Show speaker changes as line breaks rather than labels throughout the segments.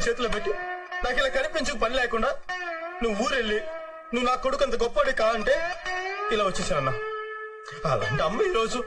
చేతిలో పెట్టి నాకు ఇలా కనిపించు పని లేకుండా నువ్వు ఊరెళ్ళి నువ్వు నా కొడుకు అంత గొప్పవాడి కా అంటే ఇలా వచ్చేసానన్నా. అలాంటి అమ్మ ఈరోజు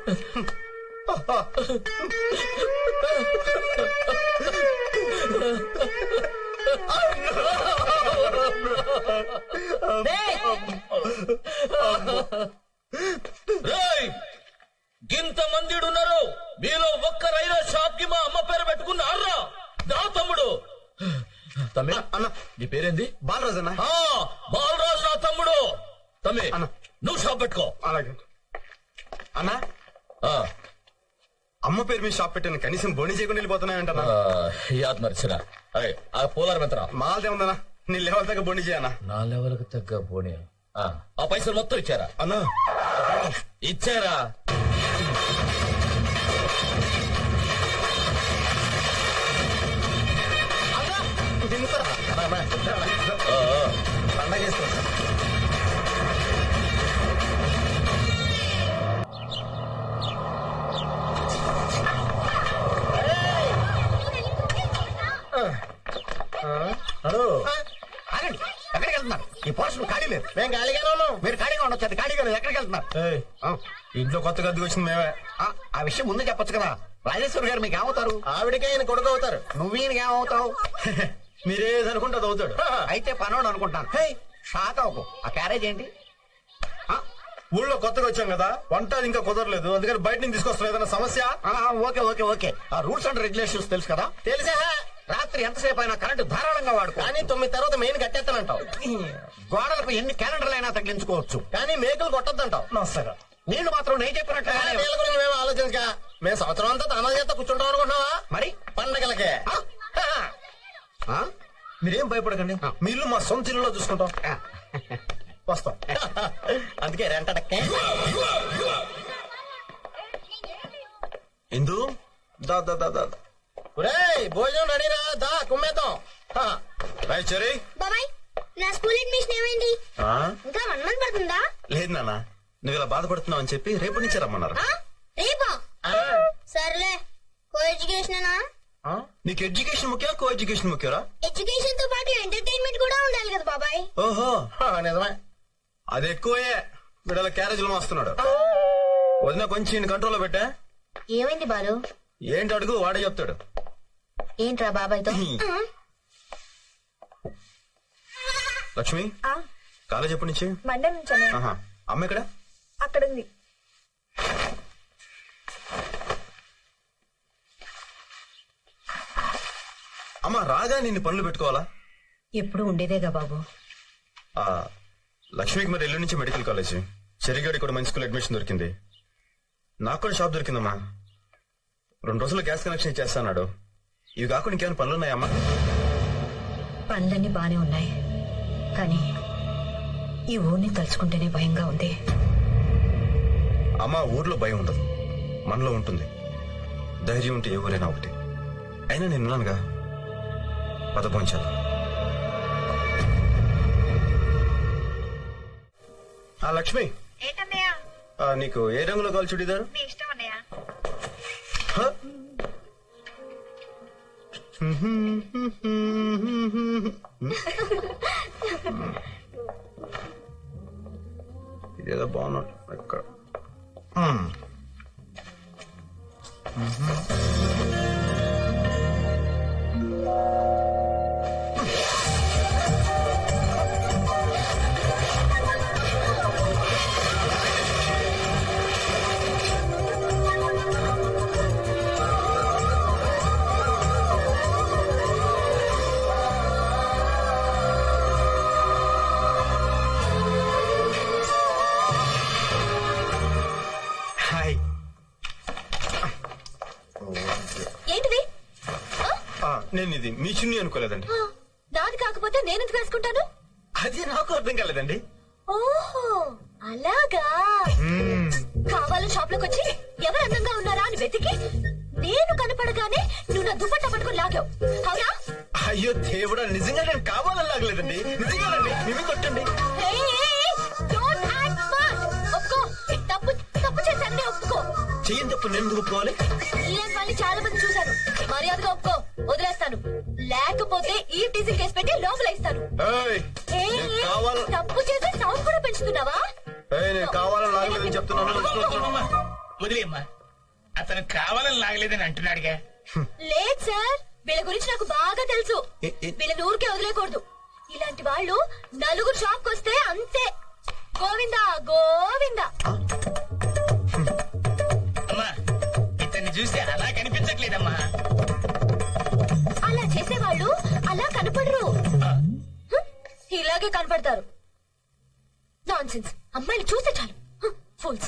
గింత మంది ఉన్నారు, మీలో ఒక్కరైనా షాప్ కి మా అమ్మ పేరు పెట్టుకున్నారా? నా తమ్ముడు. తమ్మి
అన్న,
నీ పేరేంది?
బాలరాజు అన్న.
బాలరాజు నా తమ్ముడు. తమ్మి నువ్వు షాప్ పెట్టుకో.
అలాగే అన్నా. అమ్మ పేరు మీద షాప్ పెట్టాను, కనీసం బోని చేయకుండా వెళ్ళిపోతున్నాయంటన్నా.
యాద్ మర్చినా. ఆ పోలార్ మెంతరా
మాలదే ఉందన్నా, నీ లెవెల్ తగ్గ బోని చేయన్నా.
నా లెవెల్ కు తగ్గ బోని. ఆ పైసలు మొత్తం ఇచ్చారా?
అన్నా
ఇచ్చారా?
పండగ చేస్తా.
ఆగండి, ఎక్కడికి వెళ్తున్నారు? ఈ పోర్షన్ ఖాళీ లేదు.
మేము ఖాళీగానే ఉన్నాం.
మీరు ఖాళీగా ఉండొచ్చు, అది ఖాళీగా లేదు. ఎక్కడికి వెళ్తున్నారు?
ఇంట్లో కొత్తగా అద్దెకి వచ్చింది మేమే.
ఆ విషయం ముందే చెప్పొచ్చు కదా. రాజేశ్వరి గారు మీకు ఏమవుతారు?
ఆవిడకే ఆయన కొడుకు అవుతారు.
నువ్వీయనకి ఏమవుతావు?
మీరేదనుకుంటే అది అవుతాడు.
అయితే పనోడు అనుకుంటాను. షాక్ అవ్వకు. ఆ క్యారేజ్ ఏంటి?
ఊళ్ళో కొత్తగా వచ్చాం కదా, వంట ఇంకా కుదరలేదు, అందుకని బయట నుంచి తీసుకొస్తాం. ఏదైనా సమస్య?
Okay okay okay. ఆ రూల్స్ అండ్ రెగ్యులేషన్స్ తెలుసు కదా?
తెలిసా?
రాత్రి ఎంతసేపు అయినా కరెంటు ధారాళంగా వాడుకో.
కానీ 9 తర్వాత మెయిన్ కట్టేస్తానంటావు.
గోడలకు ఎన్ని క్యాలెండర్లు తగిలించుకోవచ్చు,
కానీ మేకలు కొట్టద్దంటావు. నమస్కారం.
నీళ్లు మాత్రం నేను చెప్పినట్టు
నీళ్ళ గురించి మేము ఆలోచించగా మేము సంవత్సరం అంతా తన చేత కూర్చుంటాం అనుకుంటున్నావా?
మరి
పండగలకే. మీరేం భయపడకండి, మీ ఇల్లు మా సొంత ఇల్లులో చూసుకుంటాం. వస్తాం. అందుకే రెంటడక్కే. ఇందు దా దా దా దా. భోజనం రెడీరా, దా కుమ్మేద్దాం. చెరీ
బాబాయ్, నా స్కూల్ అడ్మిషన్ ఏమైంది? ఇంకా 1 మంత్ పడుతుందా?
లేదు నాన్న, నువ్వు ఇలా బాధపడుతున్నావు అని చెప్పి రేపు నుంచి రమ్మన్నారు.
రేపా? సర్లే. కో ఎడ్యుకేషనేనా?
నీకు ఎడ్యుకేషన్ ముఖ్యం, కో ఎడ్యుకేషన్ ముఖ్యరా?
ఎడ్యుకేషన్ తో పాటు ఎంటర్టైన్మెంట్ కూడా ఉండాలి కదా బాబాయ్.
ఓహో నిజమే, అది ఎక్కువే. వీడల క్యారేజీలు మోస్తున్నాడు. వదిన కొంచెం కంట్రోల్లో పెట్టా.
ఏమైంది బాలు?
ఏంటి అడుగు, వాడే చెప్తాడు.
ఏంట్రా బాబాయ్తో?
లక్ష్మి, కాలేజ్ ఎప్పటి నుంచి?
మండే నుంచి.
అమ్మ ఎక్కడ?
అక్కడ ఉంది.
అమ్మ రాగా నిన్ను పనులు పెట్టుకోవాలా?
ఎప్పుడు ఉండేదేగా బాబు.
లక్ష్మికి మరి ఎల్లుండి నుంచి మెడికల్ కాలేజ్, చెరిగాడి కూడా మంచి స్కూల్ అడ్మిషన్ దొరికింది. నాకు కూడా షాప్ దొరికిందమ్మా. 2 రోజుల్లో గ్యాస్ కనెక్షన్ ఇచ్చేస్తాడు. ఇవి కాకుండా ఇంకేమైనా పనులు ఉన్నాయమ్మా?
పనులన్నీ బానే ఉన్నాయి, కానీ ఈ ఊరిని తలుచుకుంటేనే భయంగా ఉంది.
అమ్మా, ఊర్లో భయం ఉండదు, మనలో ఉంటుంది. ధైర్యం ఉంటే ఏ ఊరైనా ఒకటి. అయినా నేనున్నానుగా, పదపోంచాను. లక్ష్మి, నీకు ఏ రంగులో కావాలి చుడీదారు? ఇదేదో బాగున్నట్టు ఎక్కడ.
ఏంటిది?
నేను ఇది మీ చున్నీ అనుకోలేదండి.
నాది కాకపోతే నేనెందుకు వేసుకుంటాను?
అది నాకు అర్థం కాలేదండి.
ఓహో అలాగా. కావాలని షాప్ లోకి వచ్చి ఎవరు అందంగా ఉన్నారా అని వెతికి నేను కనపడగానే నువ్వు నా దుపట్టా పట్టుకుని లాగావు, అవునా?
అయ్యో దేవుడా, నిజంగా నేను కావాలని లాగలేదండి. నిజంగానండి, మేమే కొట్టండి.
తప్పు చేశాను, ఒప్పుకో.
చెయ్యని తప్పు నేను ఒప్పుకోవాలి?
ఇలాంటి వాళ్ళు చాలా మంది చూశాను. మర్యాదగా ఒప్పుకో, వదిలేస్తాను. లేకపోతే ఈ టీజింగ్ కేసు పెట్టి లోపల ఇస్తాను.
ఏయ్,
ఏ,
నేను కావాల-
తప్పు చేసి సౌండ్ కూడా పెంచుతున్నావా?
ఏయ్, నేను కావాలని లాగలేదని చెప్తున్నాను.
వదిలేమ్మా, అతను కావాలని లాగలేదని అంటున్నాడుగా.
లేదు సార్, వీళ్ళ గురించి నాకు బాగా తెలుసు. వీళ్ళని ఊరికే వదిలేకూడదు. ఇలాంటి వాళ్ళు నలుగురు షాప్ వస్తే అంతే. గోవిందా గోవిందా.
అమ్మా, ఇతన్ని చూస్తే అలా కనిపించట్లేదమ్మా.
అలా చేసేవాళ్ళు అలా కనపడరు, ఇలాగే కనపడతారు. నాన్సెన్స్. అమ్మాయిని చూస్తే చాలు ఫూల్స్.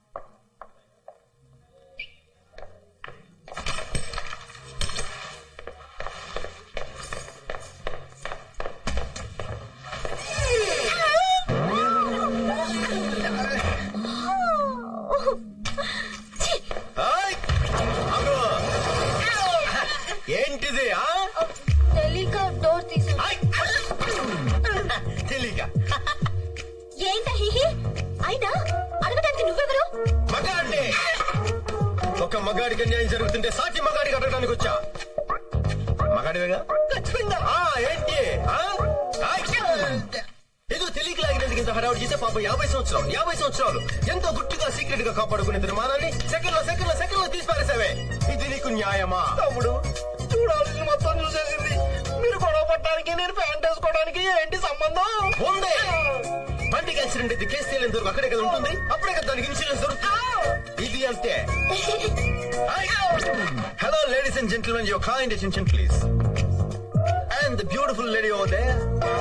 ఏయ్, ఆగు. ఏంటిది ఆ?
తెలియక డోర్ తీసు.
తెలియక
ఏంట హిహి? అయినా అడగడానికి నువ్వెవరు?
మగాడి. ఒక మగాడికి అన్యాయం జరుగుతుంటే సాటి మగాడికి అడగడానికి వచ్చా. మగాడివేగా? ఆ, ఏంటి ఆ? ఆయ్. ఏదో తెలియక లాగినందుకు ఇంత హడావుడి చేసే పాప 50 సంవత్సరాలు ఎంతో గుట్టుగా సీక్రెట్ గా కాపాడుకునే నిర్మాణాన్ని సెకండ్ లో తీసి పారేసావే. ఇది నీకు న్యాయమా?
తమ్ముడు, చూడాల్సింది మొత్తం చూసేసింది. మీరు గొడవ పట్టడానికి, నేను ప్యాంట్ వేసుకోవడానికి ఏంటి సంబంధం?
ఉంది. బండికి యాక్సిడెంట్ అయితే కేసు తేలేంత వరకు అక్కడే కదా ఉంటుంది. అప్పుడే కదా దానికి ఇన్సూరెన్స్ దొరుకుతుంది. ఇది అంతే. Hello ladies and gentlemen, your kind attention please. And the beautiful lady over there.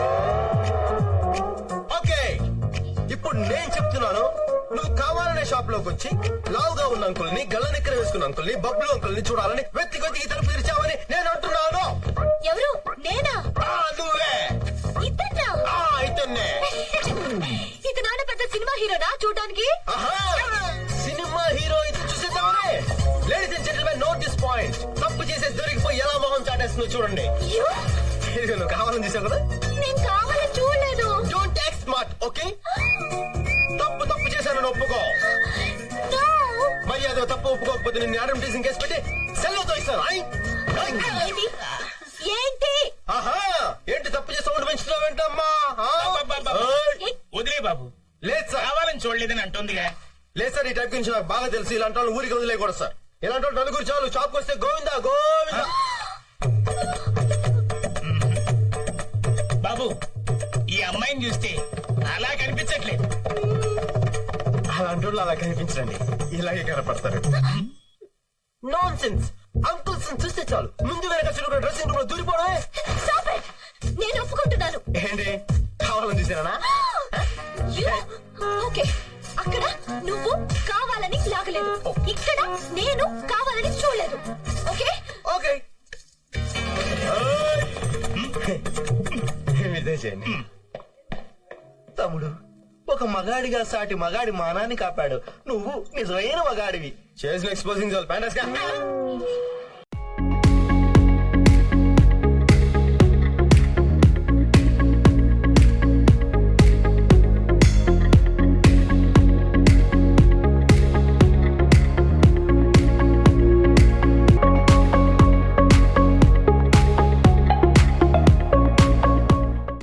Okay, ఇప్పుడు నేను చెప్తున్నాను. నువ్వు కావాలనే షాప్ లోకి వచ్చి లావుగా ఉన్న అంకుల్ని, గల్లనెక్కర వేసుకున్న అంకుల్ని, బబ్లు అంకుల్ని చూడాలని వెతికి తలుపు తెరిచావని నేను అంటున్నాను.
ఎవరు? నేనా?
నువ్వే.
ఇతన్నా?
ఇతన్నే.
ఇతనాన్న పెద్ద సినిమా హీరోనా చూడడానికి?
సినిమా హీరో ఇది చూసేద్దామనే. Ladies and gentlemen, note this point. తప్పు చేసే దొరికిపోయి ఎలా మొహం చాటేస్తుందో చూడండి.
You?
ఇదిగో నువ్వు కావాలని చూసావు కదా.
నేను కావాలని చూడలేదు.
Don't act smart, okay? తప్పు చేశానని ఒప్పుకో.
No.
మరి అదో తప్పు ఒప్పుకోకపోతే నిన్ను యాడమ్ టీజింగ్ కేసు పెట్టి సెల్లోతో ఇస్తాను.
ఏంటి? ఏంటి?
ఆహా, ఏంటి తప్పు చేసి సౌండ్ పెంచుతున్నావేంటమ్మా?
వదిలే బాబు,
లేదు సార్,
కావాలని చూడలేదని అంటుందిగా.
లేదు సార్, ఈ టైప్ గురించి నాకు బాగా తెలుసు. ఇలాంటి వాళ్ళు ఊరికి వదిలేకూడదు సార్. ఇలాంటి వాళ్ళు నలుగురు చాలు. షాప్కి వస్తే గోవిందా గోవిందా.
బాబు, ఈ అమ్మాయిని చూస్తే అలా కనిపించట్లేదు.
అలాంటి వాళ్ళు అలా కనిపించండి, ఇలాగే కనపడతారు. Non sense. అంకుల్స్ చూస్తే చాలు ముందు వెనక చురుకు డ్రెస్సింగ్ రూమ్ లో దూరిపోవడమే.
Stop it. నేను ఒప్పుకుంటున్నాను.
ఏంటి కావాలని చూసానా?
You? ఓకే, అక్కడ నువ్వు కావాలని లాగలేదు, ఇక్కడ నేను కావాలని చూడలేదు. ఓకే
ఓకే, మీదే చేయండి.
తమ్ముడు, ఒక మగాడిగా సాటి మగాడి మానాన్ని కాపాడు. నువ్వు నిజమైన మగాడివి.
చేసిన ఎక్స్పోజింగ్ చాలు. ప్యాంటస్గా